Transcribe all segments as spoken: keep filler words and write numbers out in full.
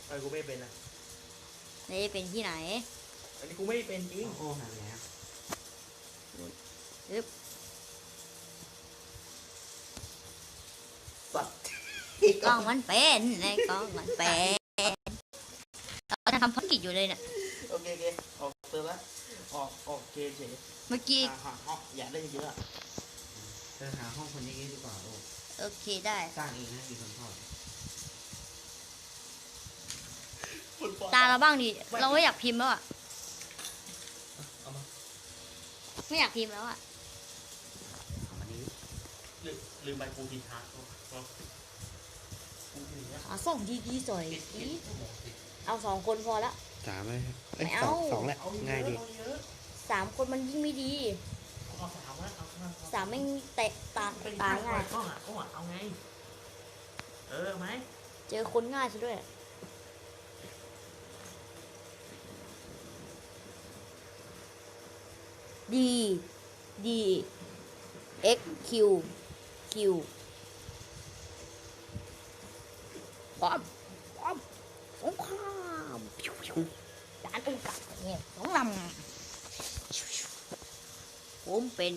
ไอ้กูไม่เป็นนะนี่เป็นที่ไหนอันนี้กูไม่เป็นจริงโอ้หาแล้วปึ๊บสัตว์กล้องมันเป็นไอ้กล้องมันเป็นเราจะทำภารกิจอยู่เลยเนี่ยโอเคโอเคออกเติมละออกออกเกมเฉยเมื่อกี้หาห้องอย่าได้เยอะเธอหาห้องคนนี้ดีกว่าโอ้โอเคได้สร้างเองนะมีคนชอบตาเราบ้างดิเราไม่อยากพิมพ์แล้วอ่ะไม่อยากพิมพ์แล้วอ่ะลืมลืมไปกูกินทาร์หาส่งดีดีสวยเอาสองคนพอละสามไหมไม่เอาสองแหละง่ายดีสามคนมันยิ่งไม่ดีสามไม่เตะตาตาง่ายก็หาก็หาเอาไงเออไหมเจอคนง่ายซะด้วยดีดี x q q ป้อมป้อมสงครามด่านโอกาสเนี่ยสองลำผมเป็น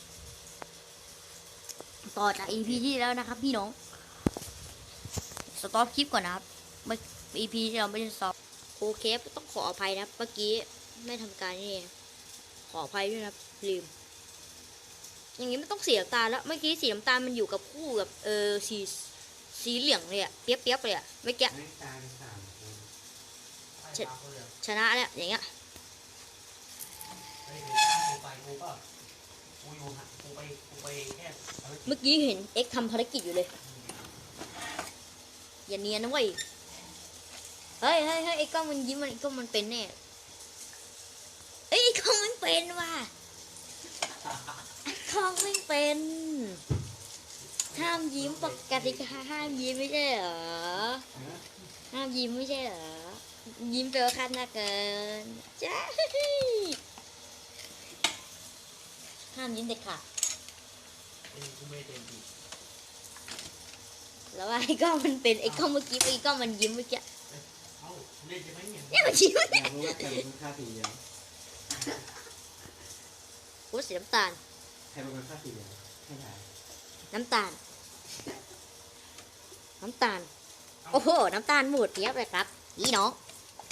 ต่อจาก อี พี ที่แล้วนะครับพี่น้องสต็อปคลิปก่อนนะครับเมื่อ อี พี ที่เราไม่ได้สต็อปโอเคต้องขออภัยนะเมื่อกี้ไม่ทำการนี่ขออภัยด้วยนะลืมอย่างนี้ไม่ต้องสีน้ำตาลแล้วเมื่อกี้สีน้ำตาลมันอยู่กับคู่กับเออสีสีเหลืองเลยอะเปียบเปียบเลยอะไม่แกะชนะแล้วอย่างเงี้ยเมื่อกี้เห็นเอ็กทำภารกิจอยู่เลยอย่าเนียนนะเว้ยเฮ้ยเฮ้ยเฮ้ยไอ้กล้องมันยิ้มมันไอ้กล้องมันเป็นแน่เอ้ยไอ้กล้องมันเป็นว่ะไอ้กล้องไม่เป็นห้ามยิ้มปกติห้ามยิ้มไม่ใช่เหรอห้ามยิ้มไม่ใช่เหรอยิ้มเจอขั้นหน้าเกินจ้าห้ามยิ้มเด็ดขาดแล้วไอ้กล้องมันเป็นไอ้กล้องเมื่อกี้ไอ้กล้องมันยิ้มเมื่อกี้เนี่ยมันยิ้มเนี่ยโอ้สีน้ำตาลใครเป็นคนฆ่าสีเหลืองให้ถ่ายน้ำตาลน้ำตาลโอ้โหน้ำตาลหมดเทียบเลยครับพี่น้อง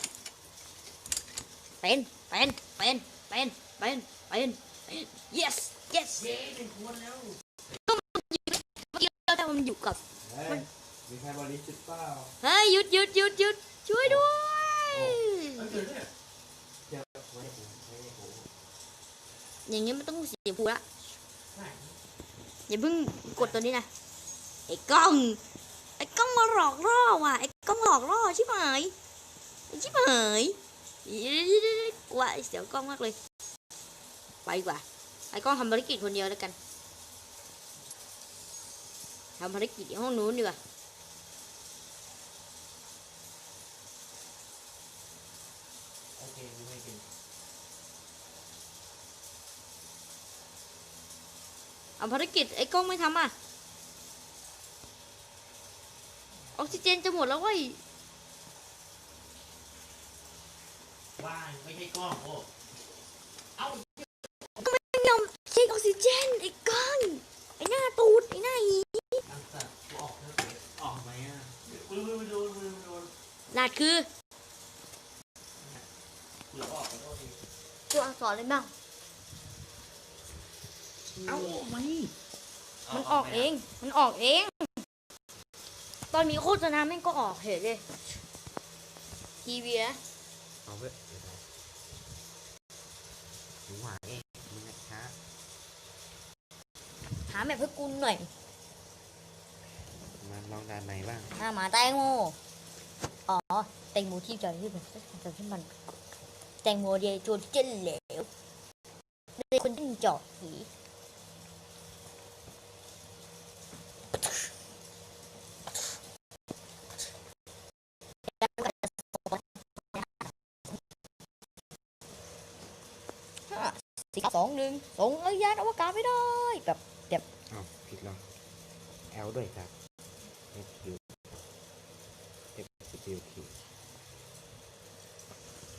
เป็นเป็นเป็นเป็นเป็นเป็น yes yes เป็นคนแล้วก็มันอยู่เมื่อกี้เราทำมันอยู่กับมันมีใครบริสุทธิ์เปล่าเฮ้ยหยุดหยุดหยุดหยุดช่วยด้วยอย่างนี้มันต้องเสียผูละอย่าเพิ่งกดตัวนี้นะไอ้กล้องไอ้กล้องมาหลอกล่อว่ะไอ้กล้องหลอกล่อชิบหายชิบหายกว่าเสียวกล้องมากเลยไปกว่าไอ้กล้องทำภารกิจคนเดียวแล้วกันทำภารกิจในห้องนู้นดีกว่าโอเคไม่เป็นเอาภารกิจไอ้กล้องไม่ทำอ่ะออกซิเจนจะหมดแล้วเว้ยว่าไม่ใช่กล้องโอ้เอาก็ไม่ยอมเช็คออกซิเจนไอ้กล้องไอ้หน้าตูดไอ้หน้าหีออกออกไหมอ่ะดูดูดูดูดูลาดคือเราออกไปก็ดีตัวอักษรเลยบ้างเอาไหมมันออกเองมันออกเองตอนมีโฆษณาแม่งก็ออกเห็นเลยทีวีนะเอาเว้ยหนูหาเองมึงนะคะหาแบบเพื่อกุลหน่อยมาลองด่านไหนบ้างหาหมาแตงโมอ๋อแตงโมที่จอยที่มันจอยที่มันแตงโมเดียจูเจนเหลวเด็กคนที่จอดผีสี่สองหนึ่งส่งยานอวกาศไม่ได้แบบแบบอ้าวผิดแล้วแอลด้วยครับเอฟคิวเอฟคิวคิว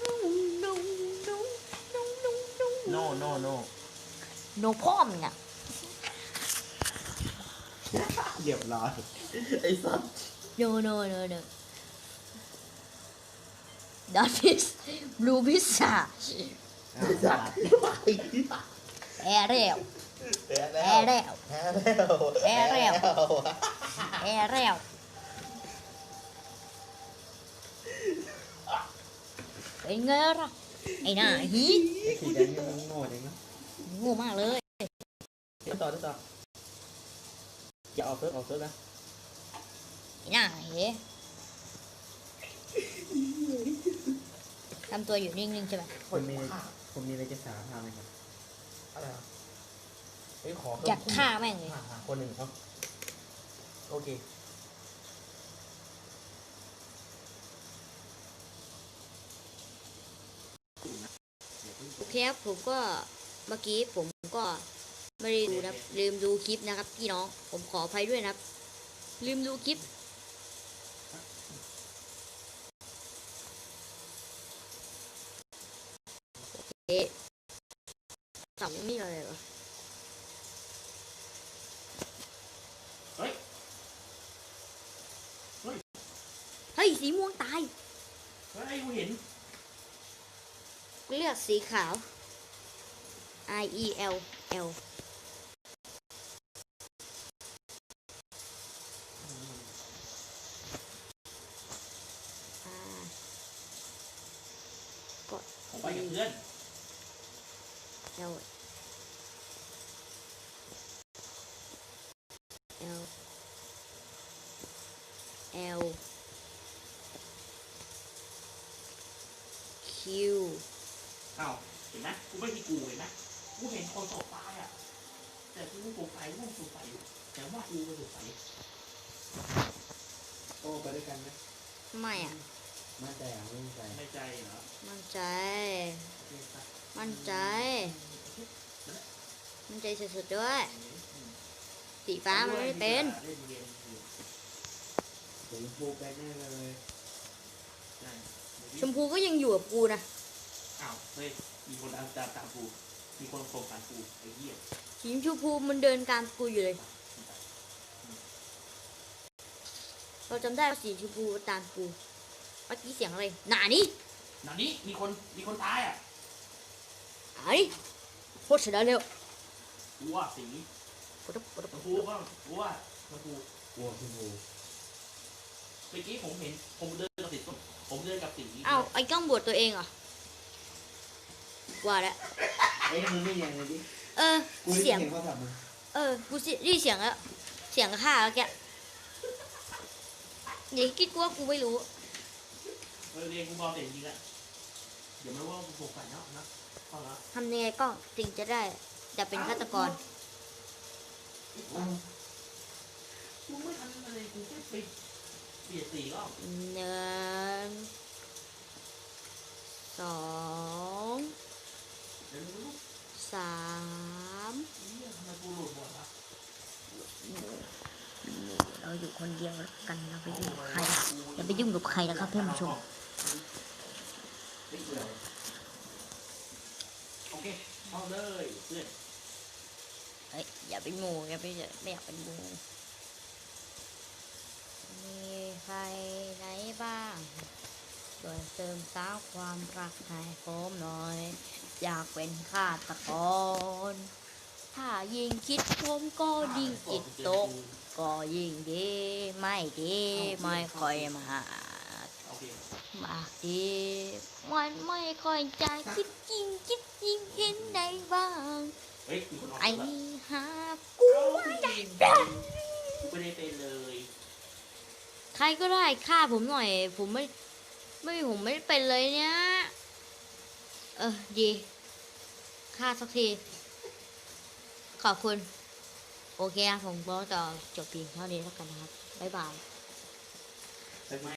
โน่โน่โน่โนพ่อมึงอ่ะเรียบร้อยไอ้สัส no no no no that is blue pizza ไอ้สัสแอร์เร็วแพ้แอร์เร็วแพ้แล้วแพ้แล้ว แอร์เร็วเป็นไงล่ะไอ้หน้าฮีไอ้สีแดงนี่มันโง่จังนะโง่มากเลยเดี๋ยวต่อเดี๋ยวต่ออย่าออกเซิร์ฟออกเซิร์ฟนะไอ้หน้าเฮ้ทำตัวอยู่นิ่งๆใช่ไหมผมมีผมมีอะไรจะสารภาพไหมครับอะไรอ่ะเฮ้ยขออยากฆ่าแม่งเลยหาหาคนหนึ่งครับโอเคโอเคครับผมก็เมื่อกี้ผมก็ไม่ได้ดูนะครับลืมดูคลิปนะครับพี่น้องผมขออภัยด้วยนะครับ ลืมดูคลิปโอเคเสาไม่มีอะไรเหรอเฮ้ยเฮ้ยสีม่วงตายเฮ้ยกูเห็นเลือกสีขาว I E L L อ่าก็ผมไปกับเพื่อน L L L Q อ้าวเห็นไหมกูไม่ที่กูเห็นไหมกูเห็นคนตกตายอ่ะแต่กูสงสัยกูสงสัยแต่ว่ากูก็สงสัยโอ้ไปด้วยกันไหมไม่อ่ะมั่นใจอ่ะไม่มั่นใจไม่ใจเหรอมั่นใจโอเคครับมั่นใจ มั่นใจสุดๆด้วย สีฟ้ามันไม่ได้เป็นเล่นเกมอยู่ผมฟูไปแน่เลยใช่ชมพูก็ยังอยู่กับกูนะอ้าวเฮ้ยมีคนตามตามตามกูมีคนโกงตามกูไอ้เหี้ยสีชมพูมันเดินตามกูอยู่เลย เราจำได้ว่าสีชมพูตามกูเมื่อกี้เสียงอะไรหนานี่หนังนี้มีคนมีคนตายอ่ะไอ้โคตรเสียดายเร็วกูว่าสีปวดปวดชมพูก็กูว่าชมพูกลัวชมพูเมื่อกี้ผมเห็นผมเดินกับสีส้มผมเดินกับสีอ้าวไอ้กล้องบวชตัวเองเหรอว่าแล้วเอ้ยมึงไม่ยังเลยดิเออกูได้เสียงเสียงเขาทำมันเออ กูสิได้เสียงแล้ว เสียงข้าแล้วแกอย่าคิดกูว่ากูไม่รู้เออเรียนกูบอกเสียงจริงอ่ะเดี๋ยวมันว่ากูโกงกันเนาะนะพอละทำยังไงก็ถึงจะได้จะเป็นฆาตกรอ้าวกูไม่ทันอะไรกูแค่ไปเปลี่ยนสีก็หนึ่งสองเดี๋ยวรู้สามนี่ทำไมกูหลุดหมดวะเราอยู่คนเดียวแล้วกันเราไปยุ่งกับใครอย่าไปยุ่งกับใครนะครับท่านผู้ชมไม่เกี่ยวโอเคเอาเลยเพื่อนเฮ้ยอย่าเป็นหมูอย่าไปไม่อยากเป็นหมูมีใครไหนบ้างช่วยเติมสาวความรักให้ผมหน่อย อยากเป็นฆาตกร ถ้ายิ่งคิดผมก็ยิ่งจิตตก ก็ยิ่งดีไม่ดีไม่ค่อยมาโอเคมากดีมันไม่ค่อยจะคิดจริงคิดจริงเห็นได้บ้างเฮ้ยมีคนออกไอ้แล้วหากูไม่ได้ไม่ได้เป็นเลยใครก็ได้ฆ่าผมหน่อย ผมไม่ไม่ผมไม่ได้เป็นเลยเนี่ยเออดีฆ่าสักที ขอบคุณ โอเคนะผมก็จะจบเพียงเท่านี้แล้วกันนะครับ บ๊ายบายแต่